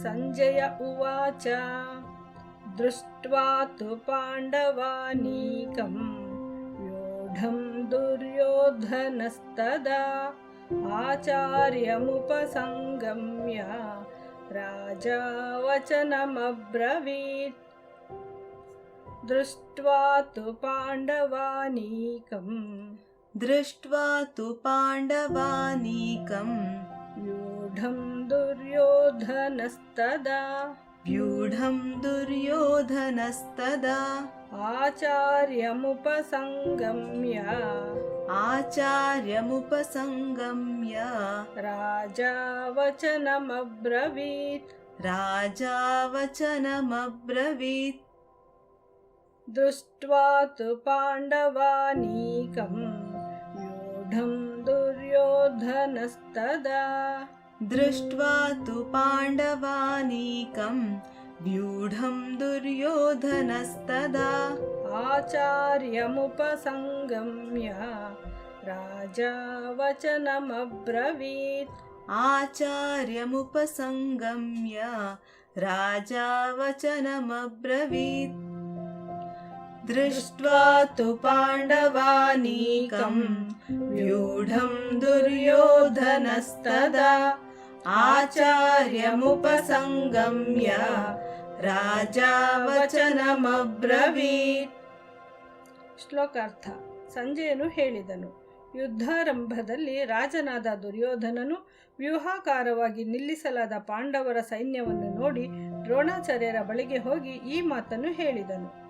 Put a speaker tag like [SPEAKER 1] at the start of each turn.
[SPEAKER 1] ಸಂಜಯ ಉವಾಚ ದೃಷ್ಟ್ವಾ ತು ಪಾಂಡವಾನೀಕಂ ವ್ಯೂಢಂ ದುರ್ಯೋಧನಸ್ತದಾ ಆಚಾರ್ಯಮುಪಸಂಗಮ್ಯ ರಾಜಾ ವಚನಮಬ್ರವೀತ್. ದೃಷ್ಟ್ವಾ ತು ಪಾಂಡವಾನೀಕಂ ವ್ಯೂಢಂ ದುರ್ಯೋಧನಸ್ತದಾ ಆಚಾರ್ಯಮುಪಸಂಗಮ್ಯ ರಾಜಾ ವಚನಮಬ್ರವೀತ್. ದೃಷ್ಟ್ವಾ ತು ಪಾಂಡವಾನೀಕಂ ವ್ಯೂಢಂ ದುರ್ಯೋಧನಸ್ತದಾ ಆಚಾರ್ಯಮುಪಸಂಗಮ್ಯ ರಾಜಾ ವಚನಮಬ್ರವೀತ್. ದೃಷ್ಟ್ವಾ ತು ಪಾಂಡವಾನೀಕಂ ವ್ಯೂಢಂ ದುರ್ಯೋಧನಸ್ತದಾ ಆಚಾರ್ಯಮುಪಸಂಗಮ್ಯ ರಾಜಾ ವಚನಮಬ್ರವೀತ್. ಶ್ಲೋಕಾರ್ಥ. ಸಂಜಯನು ಹೇಳಿದನು, ಯುದ್ಧಾರಂಭದಲ್ಲಿ ರಾಜನಾದ ದುರ್ಯೋಧನನು ವ್ಯೂಹಾಕಾರವಾಗಿ ನಿಲ್ಲಿಸಲಾದ ಪಾಂಡವರ ಸೈನ್ಯವನ್ನು ನೋಡಿ ದ್ರೋಣಾಚಾರ್ಯರ ಬಳಿಗೆ ಹೋಗಿ ಈ ಮಾತನ್ನು ಹೇಳಿದನು.